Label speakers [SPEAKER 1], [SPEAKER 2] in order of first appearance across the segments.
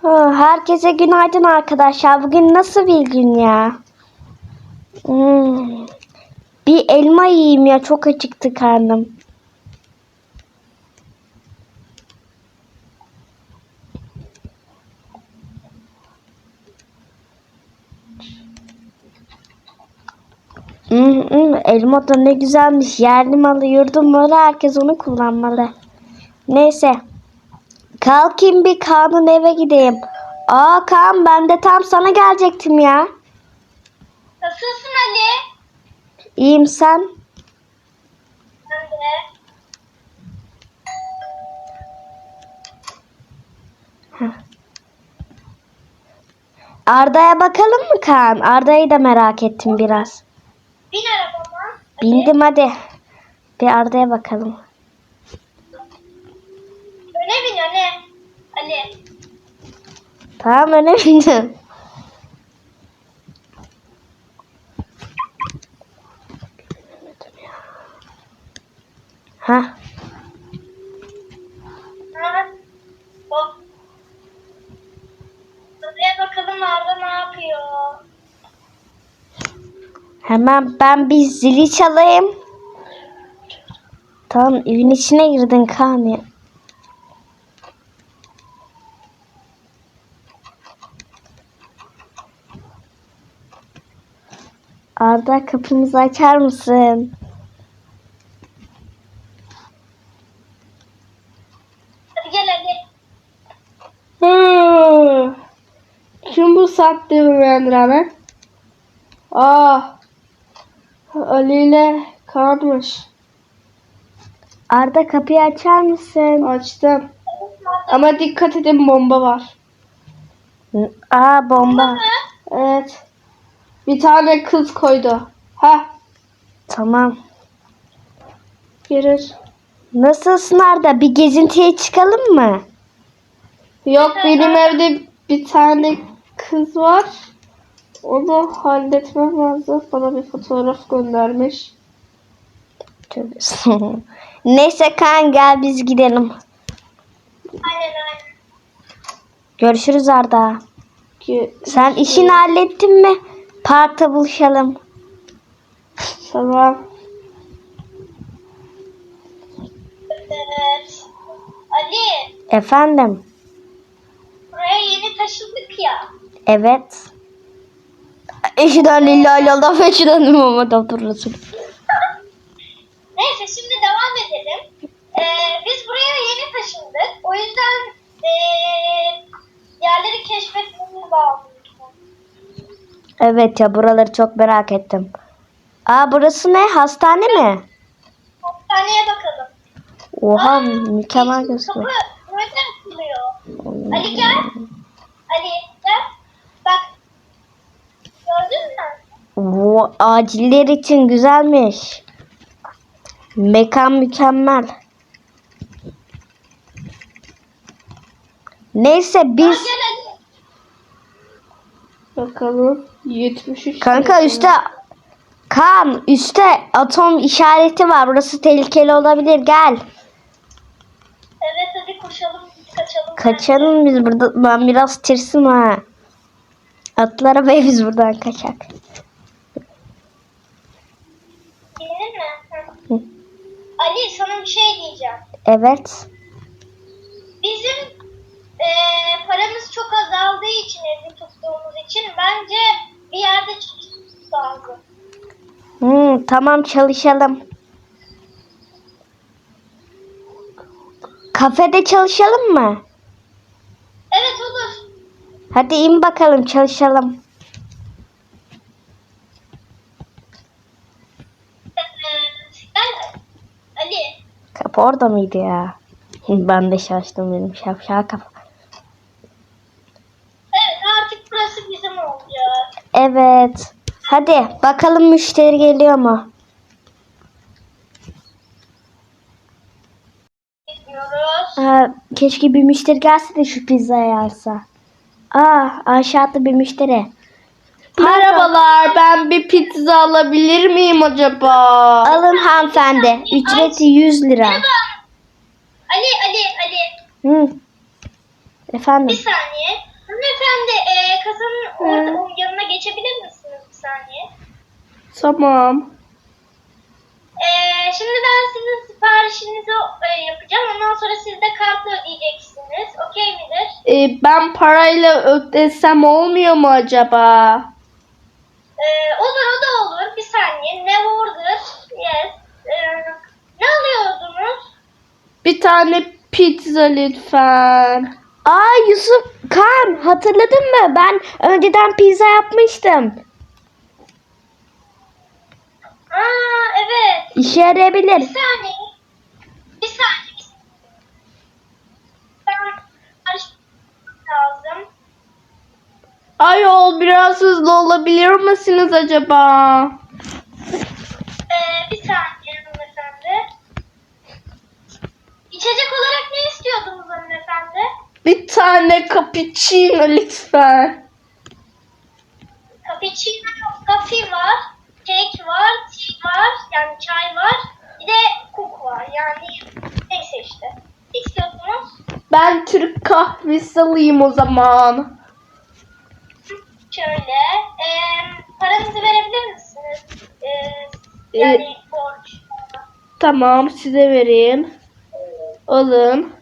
[SPEAKER 1] Herkese günaydın arkadaşlar. Bugün nasıl bir gün ya? Bir elma yiyeyim ya. Çok acıktı karnım. Elma da ne güzelmiş. Yerli malı, yurdum malı. Herkes onu kullanmalı. Neyse. Kalkayım bir Kaan'ın eve gideyim. Kaan, ben de tam sana gelecektim ya.
[SPEAKER 2] Nasılsın Ali?
[SPEAKER 1] İyiyim, sen?
[SPEAKER 2] Ben de.
[SPEAKER 1] Arda'ya bakalım mı Kaan? Arda'yı da merak ettim biraz.
[SPEAKER 2] Bin arabama.
[SPEAKER 1] Bindim hadi. Bir Arda'ya bakalım.
[SPEAKER 2] Öne bin öne. Ali.
[SPEAKER 1] Tamam, öyle bindim. Ha,
[SPEAKER 2] Ha. Hop. Buraya bakalım Arda ne yapıyor?
[SPEAKER 1] hemen ben bir zili çalayım. Tamam, evin içine girdin Kaan ya. Arda, kapımızı açar mısın?
[SPEAKER 2] Hadi gel Ali.
[SPEAKER 3] Kim bu saatte uyandıran? Ali ile kalmış.
[SPEAKER 1] Arda, kapıyı açar mısın?
[SPEAKER 3] Açtım. Ama dikkat edin, bomba var.
[SPEAKER 1] Bomba.
[SPEAKER 3] Evet. Bir tane kız koydu.
[SPEAKER 1] Tamam.
[SPEAKER 3] Girir.
[SPEAKER 1] Nasılsın Arda? Bir gezintiye çıkalım mı?
[SPEAKER 3] Yok, benim evde bir tane kız var. Onu halletmem lazım. Bana bir fotoğraf göndermiş.
[SPEAKER 1] Tövbe. Neyse Kaan, gel biz gidelim.
[SPEAKER 2] Aynen.
[SPEAKER 1] Görüşürüz Arda. Sen işini hallettin mi? Parkta buluşalım.
[SPEAKER 3] Tamam.
[SPEAKER 2] Evet. Ali.
[SPEAKER 1] Efendim?
[SPEAKER 2] Buraya yeni taşındık ya.
[SPEAKER 1] Evet. Eşhedü lillahi illallah ve eşhedü Muhammed Resulullah.
[SPEAKER 2] Neyse şimdi devam edelim. Biz buraya yeni taşındık. O yüzden yerleri keşfetmemiz lazım.
[SPEAKER 1] Evet ya, buraları çok merak ettim. Burası ne? Hastane mi?
[SPEAKER 2] Hastaneye bakalım.
[SPEAKER 1] Oha, mükemmel gözüküyor.
[SPEAKER 2] Kapı nereden açılıyor? Ali gel. Ali gel. Bak. Gördün mü?
[SPEAKER 1] Aciller için güzelmiş. Mekan mükemmel. Neyse biz...
[SPEAKER 2] Gel Ali.
[SPEAKER 3] Bakalım. 73.
[SPEAKER 1] Kanka üstte... Kaan, üstte atom işareti var. Burası tehlikeli olabilir. Gel.
[SPEAKER 2] Evet hadi koşalım. Kaçalım.
[SPEAKER 1] Kaçalım biz burada. Ben biraz tirsim ha. Atla arabaya, biz buradan kaçak.
[SPEAKER 2] Gelir mi? Hı. Ali sana bir şey diyeceğim.
[SPEAKER 1] Evet.
[SPEAKER 2] Bizim paramız çok azaldığı için, evde tuttuğumuz için bence bir yerde çalışmamız lazım.
[SPEAKER 1] Tamam, çalışalım. Kafede çalışalım mı?
[SPEAKER 2] Evet olur.
[SPEAKER 1] Hadi in bakalım, çalışalım.
[SPEAKER 2] Gel Ali.
[SPEAKER 1] Kapı orada mıydı ya? Ben de şaştım, benim şapşal kafa.
[SPEAKER 2] Evet artık burası bizim olacak.
[SPEAKER 1] Evet. Hadi bakalım müşteri geliyor mu?
[SPEAKER 2] Gidiyoruz.
[SPEAKER 1] Keşke bir müşteri gelse de şu pizzayı alsa. Aşağıda bir müşteri.
[SPEAKER 3] Merhabalar, ben bir pizza alabilir miyim acaba?
[SPEAKER 1] Alın hanımefendi. Ücreti 100 lira.
[SPEAKER 2] Ali.
[SPEAKER 1] Hı.
[SPEAKER 2] Bir
[SPEAKER 1] Efendim.
[SPEAKER 2] saniye. Hanımefendi kasanın orada yanına geçebilir misiniz bir saniye?
[SPEAKER 3] Tamam.
[SPEAKER 2] Şimdi ben sizin siparişinizi yapacağım. Ondan sonra siz de kartla ödeyeceksiniz. Okey midir?
[SPEAKER 3] Ben parayla ödesem olmuyor mu acaba?
[SPEAKER 2] Olur, o da olur. Bir saniye. Ne order? Yes. Ne alıyordunuz?
[SPEAKER 3] Bir tane pizza lütfen.
[SPEAKER 1] Aa Yusuf, Kaan hatırladın mı? Ben önceden pizza yapmıştım.
[SPEAKER 2] Aa, evet.
[SPEAKER 1] İşe yarayabilir.
[SPEAKER 2] Bir saniye. Bir saniye. Ben karıştırmam lazım.
[SPEAKER 3] Ayol biraz hızlı olabilir misiniz acaba?
[SPEAKER 2] Bir saniye hanımefendi. İçecek olarak ne istiyordunuz hanımefendi?
[SPEAKER 3] Bir tane cappuccino lütfen.
[SPEAKER 2] Cappuccino, coffee var, cake var, tea var, yani çay var. Bir de cook var, yani neyse işte. Ne istiyordunuz?
[SPEAKER 3] Ben Türk kahvesi alayım o zaman.
[SPEAKER 2] Şöyle, paranızı verebilir misiniz? Yani borç.
[SPEAKER 3] Tamam size vereyim. Alın.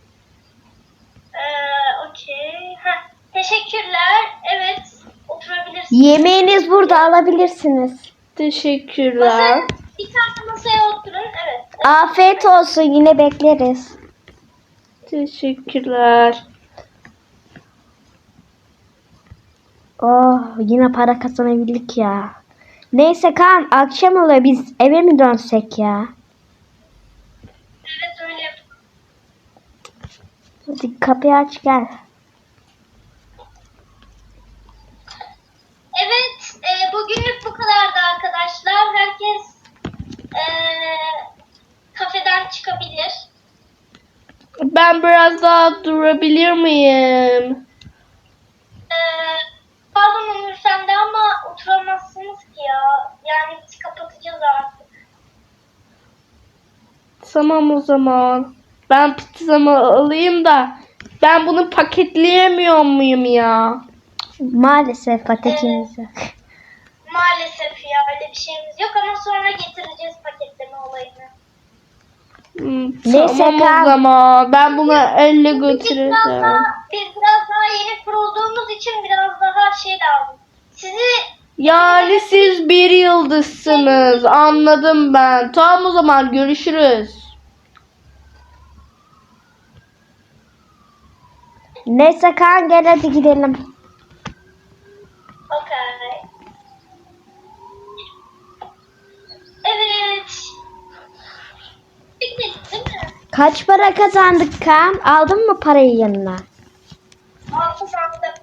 [SPEAKER 2] Okey. Teşekkürler. Evet, oturabilirsiniz.
[SPEAKER 1] Yemeğiniz burada, alabilirsiniz.
[SPEAKER 3] Teşekkürler.
[SPEAKER 2] Bir tane masaya oturun. Evet.
[SPEAKER 1] Afiyet olsun, yine bekleriz.
[SPEAKER 3] Teşekkürler.
[SPEAKER 1] Oh, yine para kazanabildik ya. Neyse Kaan, akşam oluyor, biz eve mi dönsek ya?
[SPEAKER 2] Evet, öyle yapalım.
[SPEAKER 1] Hadi kapıyı aç gel.
[SPEAKER 2] Evet, bugünlük bu kadardı arkadaşlar. Herkes kafeden çıkabilir.
[SPEAKER 3] Ben biraz daha durabilir miyim?
[SPEAKER 2] Pardon hanımefendi ama oturamazsınız ki ya. Yani biz kapatacağız artık.
[SPEAKER 3] Tamam o zaman. Ben pizzamı alayım da ben bunu paketleyemiyor muyum ya?
[SPEAKER 1] Maalesef patatesimiz yok.
[SPEAKER 2] Maalesef ya, öyle bir şeyimiz yok ama sonra getireceğiz paketleme olayını.
[SPEAKER 1] Neyse,
[SPEAKER 3] Tamam
[SPEAKER 1] Kaan.
[SPEAKER 3] o zaman. Ben bunu elle
[SPEAKER 2] Biz
[SPEAKER 3] götüreceğim.
[SPEAKER 2] biraz daha yeni kurulduğumuz için biraz daha şey lazım.
[SPEAKER 3] Yani siz bir yıldızsınız. Anladım ben. Tamam o zaman görüşürüz.
[SPEAKER 1] Neyse Kaan, gel hadi gidelim.
[SPEAKER 2] Okay. Evet. Bitmedi değil mi?
[SPEAKER 1] Kaç para kazandık Kaan? Aldın mı parayı yanına?
[SPEAKER 2] Altı sandım.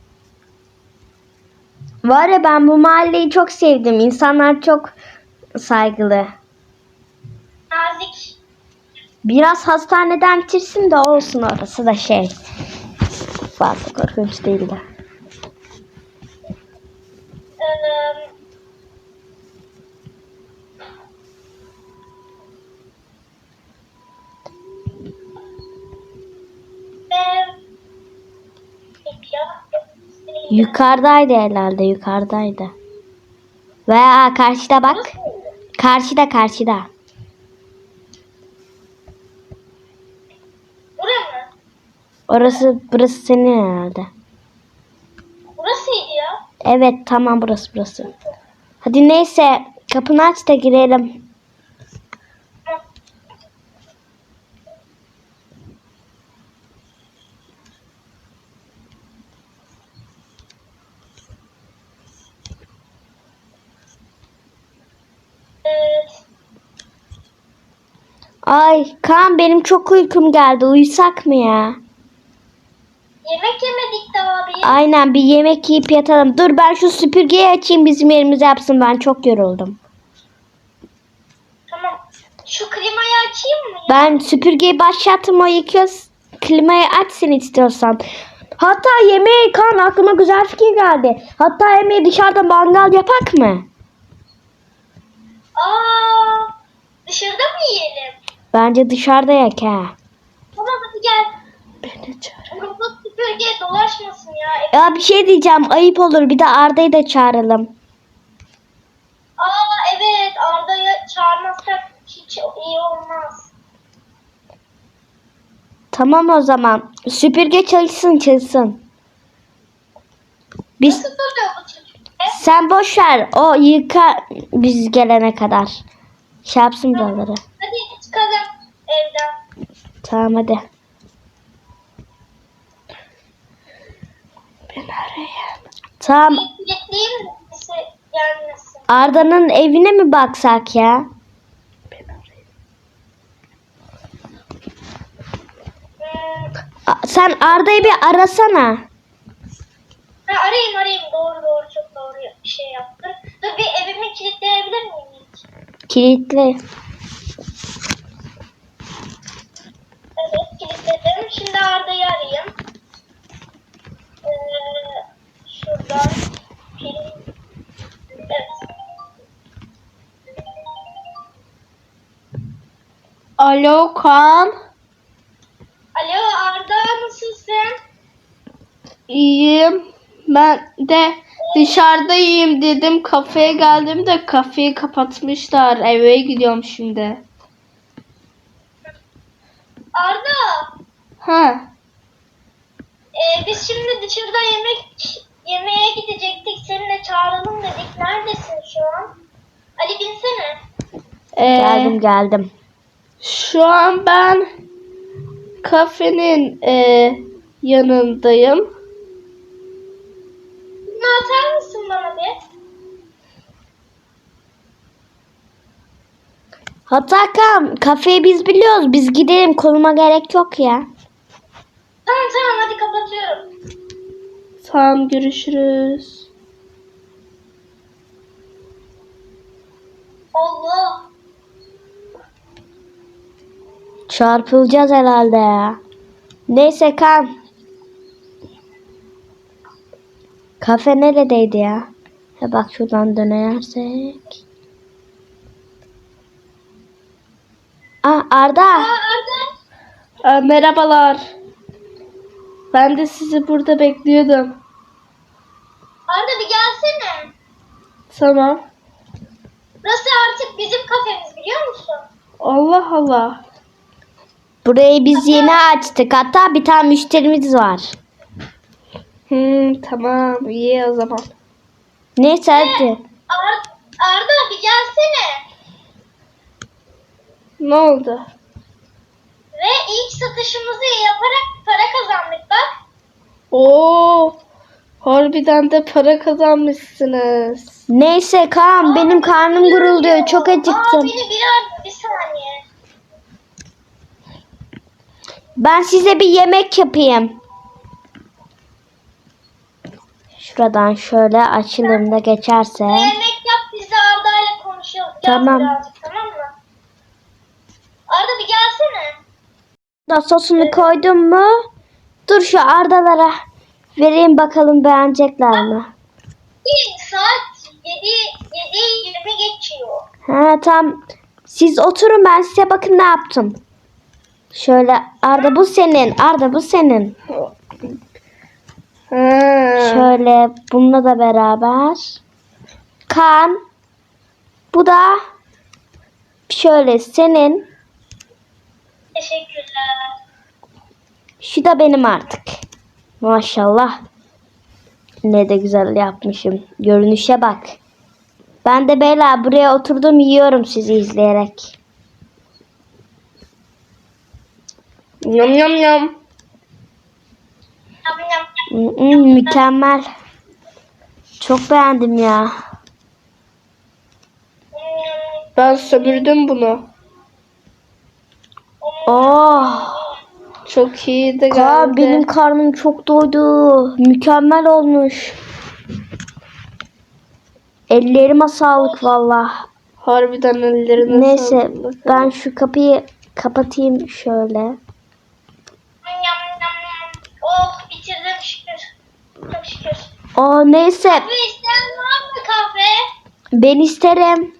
[SPEAKER 1] Var ya, ben bu mahalleyi çok sevdim. İnsanlar çok saygılı.
[SPEAKER 2] Nazik.
[SPEAKER 1] Biraz hastaneden bitirsin de olsun, orası da şey. Fazla korkunç değil de.
[SPEAKER 2] Ee, Peki ya.
[SPEAKER 1] Yukarıdaydı herhalde, yukarıdaydı. Veya karşıda bak. Karşıda.
[SPEAKER 2] Bura mı?
[SPEAKER 1] Burası senin herhalde.
[SPEAKER 2] Burasıydı ya.
[SPEAKER 1] Evet, tamam, burası. Hadi neyse, kapını aç da girelim. Ay Kaan, benim çok uykum geldi. Uyusak mı ya?
[SPEAKER 2] Yemek yemedik daha abi.
[SPEAKER 1] Aynen, bir yemek yiyip yatalım. Dur, ben şu süpürgeyi açayım, bizim yerimize yapsın. Ben çok yoruldum.
[SPEAKER 2] Tamam. Şu klimayı açayım mı ya?
[SPEAKER 1] Ben süpürgeyi başlattım, o yıkıyor. Klimayı açsın istiyorsan. Hatta yemeği, Kaan, aklıma güzel fikir geldi. Hatta yemeği dışarıda mangal yapak mı?
[SPEAKER 2] Dışarıda mı yiyelim?
[SPEAKER 1] Bence dışarıda yak ha.
[SPEAKER 2] Tamam, hadi gel.
[SPEAKER 3] Benim
[SPEAKER 2] Robot süpürge dolaşmasın ya.
[SPEAKER 1] Ya bir şey diyeceğim. Ayıp olur. Bir de Arda'yı da çağıralım.
[SPEAKER 2] Aa evet, Arda'yı çağırmazsak hiç iyi olmaz.
[SPEAKER 1] Tamam o zaman. Süpürge çalışsın. Biz
[SPEAKER 2] Nasıl duruyor bu süpürge?
[SPEAKER 1] sen boş ver. O yıka biz gelene kadar. Şey yapsın buraları.
[SPEAKER 2] Hadi çıkalım evden.
[SPEAKER 1] Tamam hadi. Tamam.
[SPEAKER 2] Kilitleyeyim mi birisi gelmesin?
[SPEAKER 1] Arda'nın evine mi baksak ya? Sen Arda'yı bir arasana.
[SPEAKER 2] Ha, arayayım. Doğru, çok doğru bir şey yaptın. Dur, bir evimi kilitleyebilir miyim hiç?
[SPEAKER 1] Kilitli.
[SPEAKER 2] Evet, kilitledim. Şimdi Arda'yı arayayım. Şuradan film. Evet.
[SPEAKER 3] Alo Kaan.
[SPEAKER 2] Alo Arda, nasılsın?
[SPEAKER 3] İyiyim. Ben de dışarıdayım dedim. Kafeye geldim de kafeyi kapatmışlar. Eve gidiyorum şimdi.
[SPEAKER 2] Arda,
[SPEAKER 3] Ha.
[SPEAKER 2] biz şimdi dışarıda yemeğe gidecektik. Seninle çağıralım dedik. Neredesin şu an? Ali binsene.
[SPEAKER 1] Geldim.
[SPEAKER 3] Şu an ben kafenin yanındayım.
[SPEAKER 2] Bunu atar mısın bana bir?
[SPEAKER 1] Hatta kafeyi biz biliyoruz. Biz gidelim. Konuma gerek yok ya.
[SPEAKER 2] Tamam, hadi kapatıyorum.
[SPEAKER 3] Tamam, görüşürüz.
[SPEAKER 2] Allah.
[SPEAKER 1] Çarpılacağız herhalde ya. Neyse Kaan. Kafe neredeydi ya? Ha bak şuradan dönersek. Arda.
[SPEAKER 2] Arda.
[SPEAKER 3] Merhabalar. Ben de sizi burada bekliyordum.
[SPEAKER 2] Arda bir gelsene.
[SPEAKER 3] Tamam.
[SPEAKER 2] Burası artık bizim kafemiz, biliyor musun?
[SPEAKER 3] Allah Allah.
[SPEAKER 1] Burayı biz yeni açtık. Hatta bir tane müşterimiz var.
[SPEAKER 3] Tamam, iyi o zaman.
[SPEAKER 1] Neyse hadi.
[SPEAKER 2] Arda bir gelsene.
[SPEAKER 3] Ne oldu?
[SPEAKER 2] Ve ilk satışımızı yaparak para kazandık bak.
[SPEAKER 3] Oo, harbiden de para kazanmışsınız.
[SPEAKER 1] Neyse Kaan benim karnım gurulduyor. Çok acıktım.
[SPEAKER 2] Beni bir saniye.
[SPEAKER 1] Ben size bir yemek yapayım. Şuradan şöyle açılımda geçerse.
[SPEAKER 2] Yemek yap, biz de Arda ile konuşalım.
[SPEAKER 1] Tamam.
[SPEAKER 2] Birazcık, tamam mı? Arda bir gelsene.
[SPEAKER 1] Da sosunu koydum mu? Dur şu Ardalara vereyim bakalım beğenecekler mi?
[SPEAKER 2] Saat 7:20 geçiyor.
[SPEAKER 1] Ha tamam. Siz oturun ben size bakın ne yaptım. Şöyle Arda bu senin. Arda bu senin. Şöyle bununla da beraber. Kan. Bu da şöyle senin.
[SPEAKER 2] Teşekkürler.
[SPEAKER 1] Şu da benim artık. Maşallah. Ne de güzel yapmışım. Görünüşe bak. Ben de beyler buraya oturdum yiyorum sizi izleyerek.
[SPEAKER 3] Yum yum yum.
[SPEAKER 1] Mükemmel. Çok beğendim ya.
[SPEAKER 3] Ben sömürdüm bunu.
[SPEAKER 1] Oh.
[SPEAKER 3] Çok iyi de
[SPEAKER 1] Kaan,
[SPEAKER 3] geldi.
[SPEAKER 1] benim karnım çok doydu. Mükemmel olmuş. Ellerime sağlık valla.
[SPEAKER 3] Harbiden ellerine
[SPEAKER 1] Neyse
[SPEAKER 3] sağlık.
[SPEAKER 1] ben şu kapıyı kapatayım şöyle.
[SPEAKER 2] Oh, bitirdim şükür. Çok şükür.
[SPEAKER 1] Neyse
[SPEAKER 2] Kahve isteyen var mı kahve?
[SPEAKER 1] ben isterim.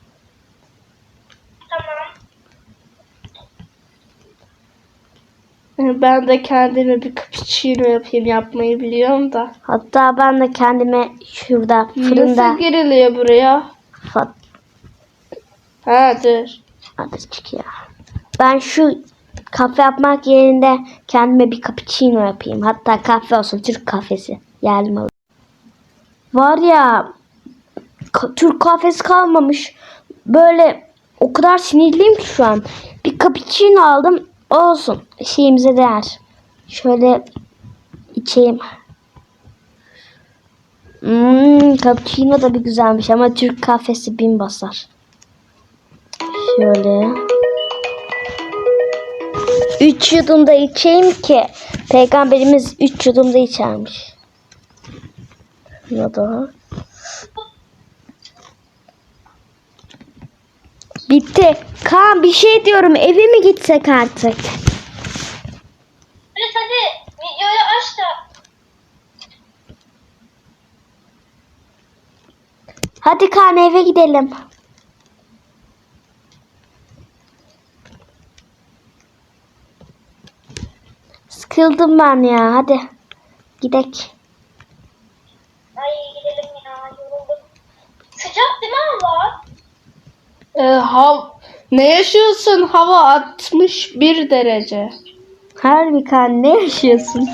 [SPEAKER 2] Tamam.
[SPEAKER 3] Ben de kendime bir cappuccino yapayım, yapmayı biliyorum da.
[SPEAKER 1] Hatta ben de kendime şurada fırında
[SPEAKER 3] Nasıl giriliyor buraya?
[SPEAKER 1] Fat-
[SPEAKER 3] Ha dur.
[SPEAKER 1] Hadi çık ya. Ben şu kahve yapmak yerine kendime bir cappuccino yapayım. Hatta kahve olsun, Türk kahvesi. Yerli malı. Var ya, Türk kahvesi kalmamış. Böyle o kadar sinirliyim ki şu an. Bir cappuccino aldım. Olsun. Şeyimize değer. Şöyle içeyim. Cappuccino da bir güzelmiş ama Türk kahvesi bin basar. Şöyle. 3 yudumda içeyim ki Peygamberimiz 3 yudumda içermiş. Ya da bitti. Kaan bir şey diyorum, eve mi gitsek artık?
[SPEAKER 2] Evet hadi videoyu aç da.
[SPEAKER 1] Hadi Kaan eve gidelim. Sıkıldım ben ya, hadi gidek.
[SPEAKER 2] Ay gidelim ya, yoruldum. Sıcak değil mi hava?
[SPEAKER 3] Ne yaşıyorsun? Hava 61 derece.
[SPEAKER 1] Harbi Kaan, ne yaşıyorsun?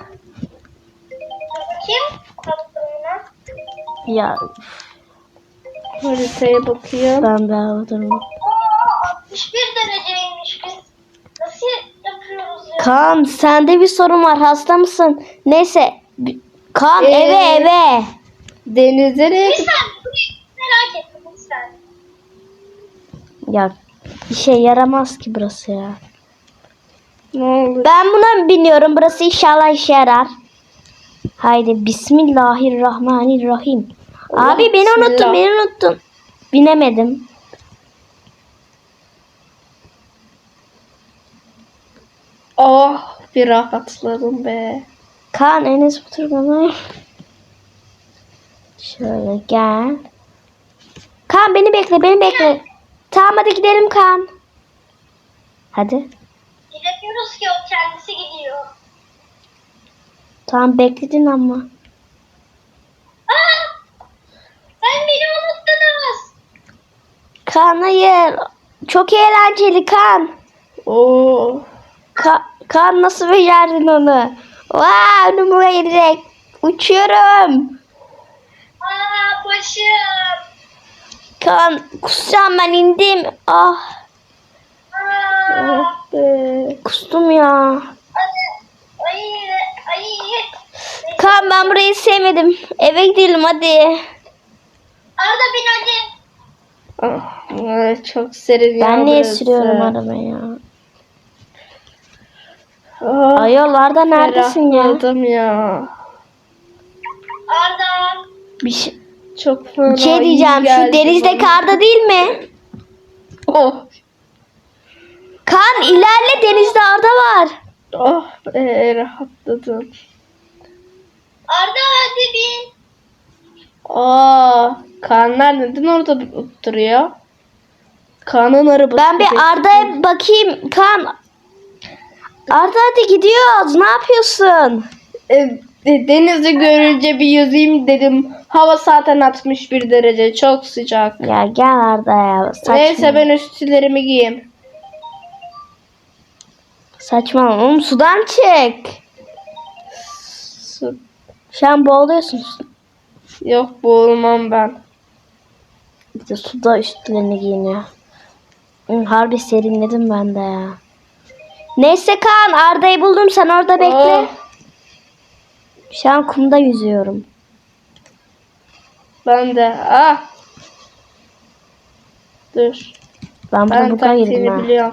[SPEAKER 2] Bakayım tatlımına.
[SPEAKER 1] Ya
[SPEAKER 3] Haritaya bakıyorum.
[SPEAKER 1] ben de havadayım.
[SPEAKER 2] 61 dereceymiş biz. Nasıl yapıyoruz ya?
[SPEAKER 1] Kaan sende bir sorun var, hasta mısın? Neyse. Kaan eve.
[SPEAKER 3] Denize
[SPEAKER 2] Bir sen merak ettim bir sen.
[SPEAKER 1] Ya işe yaramaz ki burası ya.
[SPEAKER 3] Ne olur.
[SPEAKER 1] Ben buna biniyorum. Burası inşallah işe yarar. Haydi Bismillahirrahmanirrahim.
[SPEAKER 3] Allah,
[SPEAKER 1] Abi beni
[SPEAKER 3] bismillah.
[SPEAKER 1] unuttun. Binemedim.
[SPEAKER 3] Oh, bir rahatladım be.
[SPEAKER 1] Kaan Enes otur bana. Şöyle gel. Kaan beni bekle. Tamam hadi gidelim Kaan. Hadi.
[SPEAKER 2] Gidemiyoruz ki, o kendisi gidiyor.
[SPEAKER 1] Tamam bekledin ama.
[SPEAKER 2] Aa! Sen beni unuttunuz.
[SPEAKER 1] Kaan hayır. Çok eğlenceli Kaan.
[SPEAKER 3] Oo.
[SPEAKER 1] Kaan nasıl becerdin onu? Vaa önüme gelecek. Uçuyorum.
[SPEAKER 2] Aa başım.
[SPEAKER 1] Kaan kusacağım, ben indim. Ah
[SPEAKER 2] Aa.
[SPEAKER 3] Oh be.
[SPEAKER 1] kustum ya.
[SPEAKER 2] Ay. Ay.
[SPEAKER 1] Kaan ben burayı sevmedim. Eve gidelim hadi.
[SPEAKER 2] Arda bin hadi.
[SPEAKER 3] Ah, çok serin ya
[SPEAKER 1] Ben niye
[SPEAKER 3] burası.
[SPEAKER 1] sürüyorum arabayı ya?
[SPEAKER 3] Ah,
[SPEAKER 1] Ayol Arda neredesin ya?
[SPEAKER 3] ferahladım ya.
[SPEAKER 2] Arda.
[SPEAKER 1] Bir
[SPEAKER 3] Çok fena
[SPEAKER 1] şey
[SPEAKER 3] iyi
[SPEAKER 1] diyeceğim.
[SPEAKER 3] geldi
[SPEAKER 1] Şu denizdeki
[SPEAKER 3] bana.
[SPEAKER 1] Arda değil mi?
[SPEAKER 3] Oh.
[SPEAKER 1] Kaan ilerle, denizde Arda var.
[SPEAKER 3] Oh rahatladım.
[SPEAKER 2] Arda hadi bin.
[SPEAKER 3] Kaanlar neden orada duruyor? Kaan'ın arabası.
[SPEAKER 1] Ben bir Arda'ya bakayım. Kaan. Arda hadi gidiyoruz. Ne yapıyorsun?
[SPEAKER 3] Denizi görünce bir yüzeyim dedim. Hava zaten 61 derece. Çok sıcak.
[SPEAKER 1] Ya gel Arda ya. Saçma.
[SPEAKER 3] Neyse ben üstlerimi giyeyim.
[SPEAKER 1] Saçmalama oğlum, sudan çık.
[SPEAKER 3] Su-
[SPEAKER 1] Şu an boğuluyorsun.
[SPEAKER 3] Yok boğulmam ben.
[SPEAKER 1] Bir de suda üstlerini giyiniyor. Harbi serinledim ben de ya. Neyse Kaan, Arda'yı buldum, sen orada bekle.
[SPEAKER 3] Oh,
[SPEAKER 1] Şu an kumda yüzüyorum.
[SPEAKER 3] ben de. Dur.
[SPEAKER 1] Ben burada
[SPEAKER 3] Ben
[SPEAKER 1] buga girdim
[SPEAKER 3] taktiğini
[SPEAKER 1] ha.
[SPEAKER 3] biliyorum.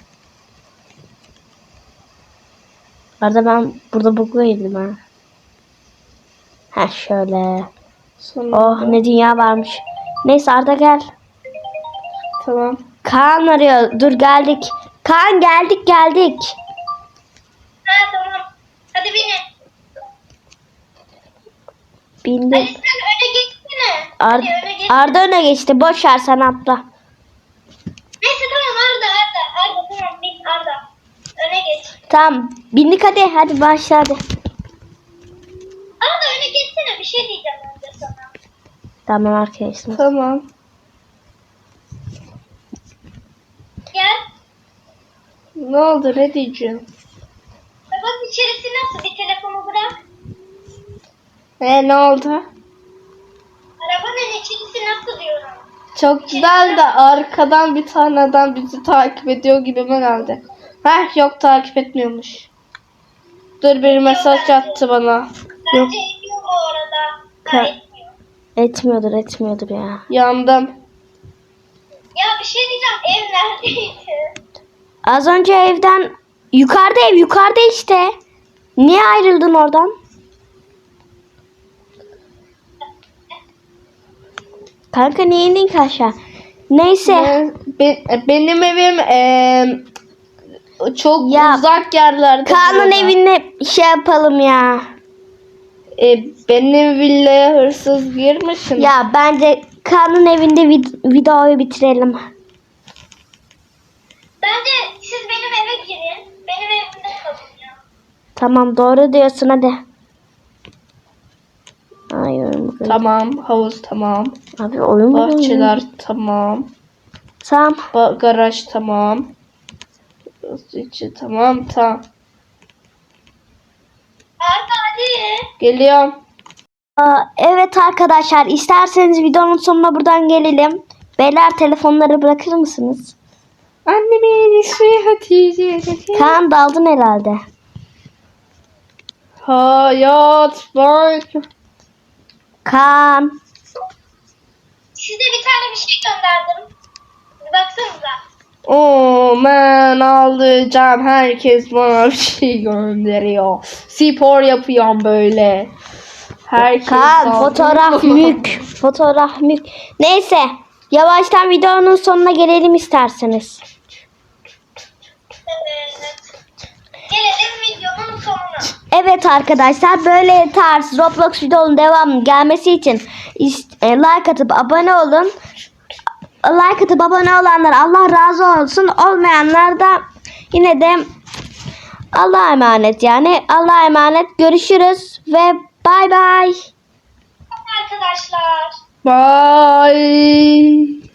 [SPEAKER 1] Arda ben burada buga girdim ha. Ha şöyle.
[SPEAKER 3] Sonunda.
[SPEAKER 1] Oh ne dünya varmış. Neyse Arda gel.
[SPEAKER 3] Tamam.
[SPEAKER 1] Kaan arıyor. Dur geldik. Kaan geldik.
[SPEAKER 2] Ha tamam. Hadi binin.
[SPEAKER 1] Bindim.
[SPEAKER 2] Hadi sen öne geçsene. Hadi öne geç.
[SPEAKER 1] Arda öne geçti. Boş ver, sen atla.
[SPEAKER 2] Neyse tamam Arda tamam bin Arda. Öne geç.
[SPEAKER 1] Tamam. Bindik hadi başla hadi.
[SPEAKER 2] Arda öne geçsene, bir şey diyeceğim önce sana.
[SPEAKER 1] Tamam arkadaşlar.
[SPEAKER 3] Tamam.
[SPEAKER 2] Gel.
[SPEAKER 3] Ne oldu, ne diyeceğim?
[SPEAKER 2] Bak içerisi nasıl? Bir telefonu bırak.
[SPEAKER 3] Ne oldu?
[SPEAKER 2] Arabanın içerisi nasıl diyorum.
[SPEAKER 3] Çok güzel de arkadan bir tane adam bizi takip ediyor gibime geldi. Yok, takip etmiyormuş. Dur, bir mesaj attı bana. Yok,
[SPEAKER 2] Bence ediyor bu arada.
[SPEAKER 3] Ka-
[SPEAKER 2] Etmiyor.
[SPEAKER 1] Etmiyordur ya.
[SPEAKER 3] yandım.
[SPEAKER 2] Ya bir şey diyeceğim. Ev neredeydi?
[SPEAKER 1] Az önce evden yukarıda işte. Niye ayrıldın oradan? Kanka niye indin ki aşağı? Neyse.
[SPEAKER 3] Benim evim çok
[SPEAKER 1] Ya,
[SPEAKER 3] uzak yerlerde.
[SPEAKER 1] Kaan'ın
[SPEAKER 3] burada.
[SPEAKER 1] evine şey yapalım ya.
[SPEAKER 3] Benim villaya hırsız girmişim.
[SPEAKER 1] Ya bence Kaan'ın evinde videoyu bitirelim.
[SPEAKER 2] Bence siz benim eve girin. Benim evimde kalın ya.
[SPEAKER 1] Tamam doğru diyorsun hadi. Ay oyun
[SPEAKER 3] Tamam, havuz tamam.
[SPEAKER 1] Abi oyun mu?
[SPEAKER 3] Bahçeler tamam.
[SPEAKER 1] Tamam.
[SPEAKER 3] Garaj tamam. İçi tamam.
[SPEAKER 2] Arda hadi.
[SPEAKER 3] Geliyorum.
[SPEAKER 1] Evet arkadaşlar isterseniz videonun sonuna buradan gelelim. Beyler telefonları bırakır mısınız?
[SPEAKER 3] Annemin ismi Hatice.
[SPEAKER 1] Kaan daldın herhalde.
[SPEAKER 3] Hayat var.
[SPEAKER 1] Kaan.
[SPEAKER 2] Size bir tane bir şey gönderdim. Bir baksanıza.
[SPEAKER 3] Ben alacağım. Herkes bana bir şey gönderiyor. Spor yapıyorum böyle. Herkes
[SPEAKER 1] Kaan
[SPEAKER 3] aldı.
[SPEAKER 1] fotoğraf mük. Neyse yavaştan videonun sonuna gelelim isterseniz.
[SPEAKER 2] Evet. Gelelim videonun sonuna.
[SPEAKER 1] Evet arkadaşlar böyle tarz Roblox videonun devamının gelmesi için like atıp abone olun. Like atıp abone olanlar Allah razı olsun. Olmayanlar da yine de Allah'a emanet yani. Allah'a emanet. Görüşürüz ve bay bay.
[SPEAKER 2] Arkadaşlar.
[SPEAKER 3] Bye.